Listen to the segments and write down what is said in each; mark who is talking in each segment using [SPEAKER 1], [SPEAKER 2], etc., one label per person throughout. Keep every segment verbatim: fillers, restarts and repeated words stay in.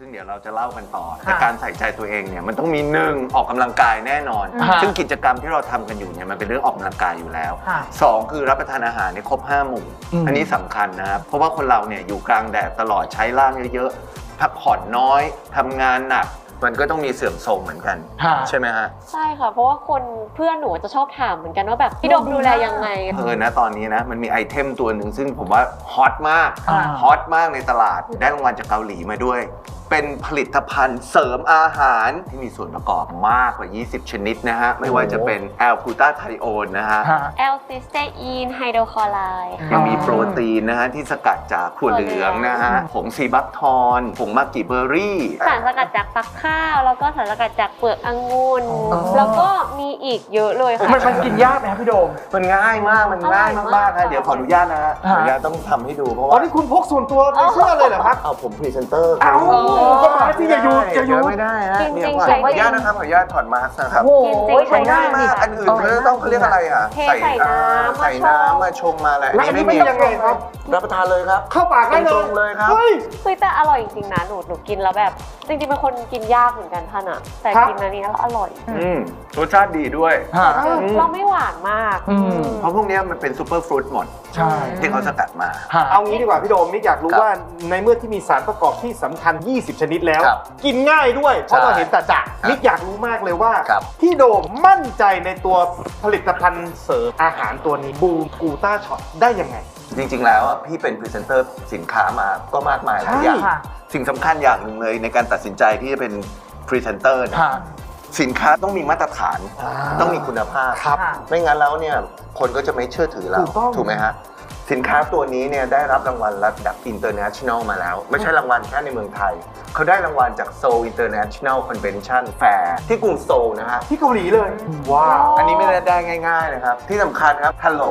[SPEAKER 1] ซึ่งเดี๋ยวเราจะเล่ากันต่อแต่การใส่ใจตัวเองเนี่ยมันต้องมีหนึ่งออกกำลังกายแน่นอน ซึ่งกิจกรรมที่เราทำกันอยู่เนี่ยมันเป็นเรื่องออกกำลังกายอยู่แล้วสองคือรับประทานอาหารเนี่ยครบห้าหมู่อันนี้สำคัญนะครับเพราะว่าคนเราเนี่ยอยู่กลางแดดตลอดใช้ร่างเยอะๆพักผ่อนน้อยทำงานหนักมันก็ต้องมีเสื่อมโทรมเหมือนกันใช่ไหมฮะ
[SPEAKER 2] ใช่ค่ะเพราะว่าคนเพื่อนหนูจะชอบถามเหมือนกันว่าแบบพี่โดมดูแลยังไง
[SPEAKER 1] เออนะตอนนี้นะมันมีไอเทมตัวหนึ่งซึ่งผมว่าฮอตมากฮอตมากในตลาดได้รางวัลจากเกาหลีมาด้วยเป็นผลิตภัณฑ์เสริมอาหารที่มีส่วนประกอบมากกว่ายี่สิบชนิดนะฮะไม่ว่าจะเป็นแอลกลูตาไทโอนนะฮะ
[SPEAKER 2] แอลซิสเตอีนไฮโดรคลอไรด์
[SPEAKER 1] ยังมีโปรตีนนะฮะที่สกัดจากถั่วเหลืองนะฮะผงซีบัคทอนผงมากิเบอร์รี่
[SPEAKER 2] สารสกัดจากฟักข้าวแล้วก็สารสกัดจากเปลือกองุ่นแล้วก็มีอีกเยอะเลยค่ะ
[SPEAKER 3] มันมันกินยากไหมครับพี่โดม
[SPEAKER 1] มันง่ายมากมันง่ายมากๆนะเดี๋ยวขออนุญาตนะฮะขออนุญาตต้องทำให้ดูเพราะ
[SPEAKER 3] อ๋อ
[SPEAKER 1] ว่า
[SPEAKER 3] นี่คุณพกส่วนตัวในเสื้อเลยเหรอครับ
[SPEAKER 1] เอาผมพรีเซนเตอร์
[SPEAKER 3] เอ้าก็มาที่อย่าอยู่อย่าอยู่
[SPEAKER 1] ไม่ได้ฮะเดี๋ยวขออนุญาตนะครับขออนุญาตถอดมาสก์นะครับมันง่ายมากอันอื่นเธอต้องเขาเรียกอะไรอ่ะ
[SPEAKER 2] ใส่น้ำ
[SPEAKER 1] ใส่น้ำมาชงมาอะไร
[SPEAKER 3] แล้วอันนี้ไม่ยังไงครับ
[SPEAKER 1] รับประทานเลยครับ
[SPEAKER 3] เข้าปากได้เลย
[SPEAKER 1] ตรงเลยครับ
[SPEAKER 2] เฮ้ยแต่อร่อยจริงๆนะหนูหนูกินแล้วแบบจริงๆเป็นคนกินยากเหมือนกันท่านอะแต่กินอันนี้แล้วอร่อย
[SPEAKER 1] อืมรสชาติดีด้วย
[SPEAKER 2] เราไม่หวานมาก
[SPEAKER 1] เพราะพวกนี้มันเป็นซูเปอร์ฟรุตหมด
[SPEAKER 3] ใช่
[SPEAKER 1] ที่เขาสกัดมา
[SPEAKER 3] เอางี้ดีกว่าพี่โดมมิกอยากรู้ว่าในเมื่อที่มีสารประกอบที่สำคัญยี่สิบชนิดแล้วกินง่ายด้วยเพราะเราเห็นแต่จะมิกอยากรู้มากเลยว่าพี่โดมมั่นใจในตัวผลิตภัณฑ์เสริมอาหารตัวนี้บูมกูต้าช็อตได้ยังไง
[SPEAKER 1] จริงๆแล้วพี่เป็นพรีเซนเตอร์สินค้ามาก็มากมายหลายอย่างสิ่งสำคัญอย่างหนึ่งเลยในการตัดสินใจที่จะเป็นพรีเซนเตอร์เนี่ยสินค้าต้องมีมาตรฐานต้องมีคุณภาพไม่งั้นแล้วเนี่ยคนก็จะไม่เชื่อถือเราถูกไหมฮะสินค้าตัวนี้เนี่ยได้รับรางวัลระดับ international มาแล้วไม่ใช่รางวัลแค่ในเมืองไทยเขาได้รางวัลจาก Seoul International Convention Fair ที่กรุงโซลนะฮะ
[SPEAKER 3] ที่เกาหลีเลยว้าว
[SPEAKER 1] อันนี้ไม่ได้ได้ง่ายๆนะครับที่สำคัญครับ Hello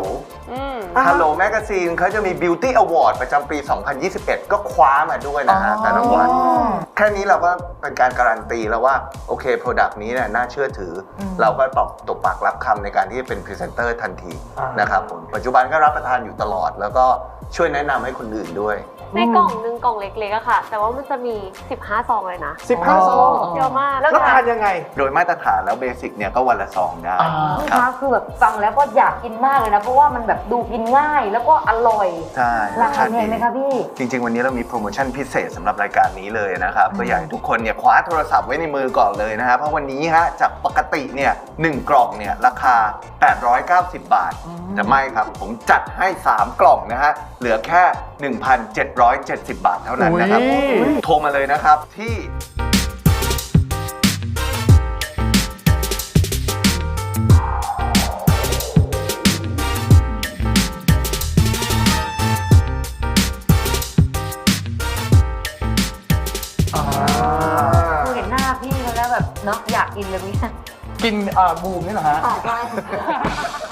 [SPEAKER 1] Hello Magazine เขาจะมี Beauty Award ประจำปี สองพันยี่สิบเอ็ด ก็คว้ามาด้วยนะฮะแต่รางวัลแค่นี้เราก็เป็นการการันตีแล้วว่าโอเค Product นี้เนี่ยน่าเชื่อถือเราก็ตอบตบปากรับคำในการที่จะเป็นพรีเซนเตอร์ทันทีนะครับผมปัจจุบันก็รับประทานอยู่ตลอดแล้วก็ช่วยแนะนำให้คนอื่นด้วย
[SPEAKER 2] ในกล่องนึงกล่องเล็กๆอะค่ะแต่ว่ามันจะมีสิบห้าซองเลยนะ
[SPEAKER 3] สิบห้าซอง
[SPEAKER 2] เยอะมาก
[SPEAKER 3] แล้วทานยังไง
[SPEAKER 1] โดยมาตรฐานแล้วเบสิกเนี่ยก็วันละซองได้
[SPEAKER 4] ครับคือแบบฟังแล้วก็อยากกินมากเลยนะเพราะว่ามันแบบดูกินง่ายแล้วก็อร่อย
[SPEAKER 1] ใช่
[SPEAKER 4] ราคาแพงไหมคะพี่
[SPEAKER 1] จริงๆวันนี้เรามีโปรโมชั่นพิเศษสำหรับรายการนี้เลยนะครับก็อยากให้ทุกคนเนี่ยคว้าโทรศัพท์ไว้ในมือก่อนเลยนะครับเพราะวันนี้ฮะจากปกติเนี่ยหนึ่งกล่องเนี่ยราคาแปดร้อยเก้าสิบบาทแต่ไม่ครับผมจัดให้สามกล่องนะฮะเหลือแค่ หนึ่งพันเจ็ดร้อยเจ็ดสิบบาทเท่านั้นนะครับโทรมาเลยนะครับที่
[SPEAKER 4] เห็นหน้าพี่เขาแล้วแบบเนาะอยากกินเลยพี่
[SPEAKER 3] กินบูมนี่เหรอฮะ
[SPEAKER 4] ใช่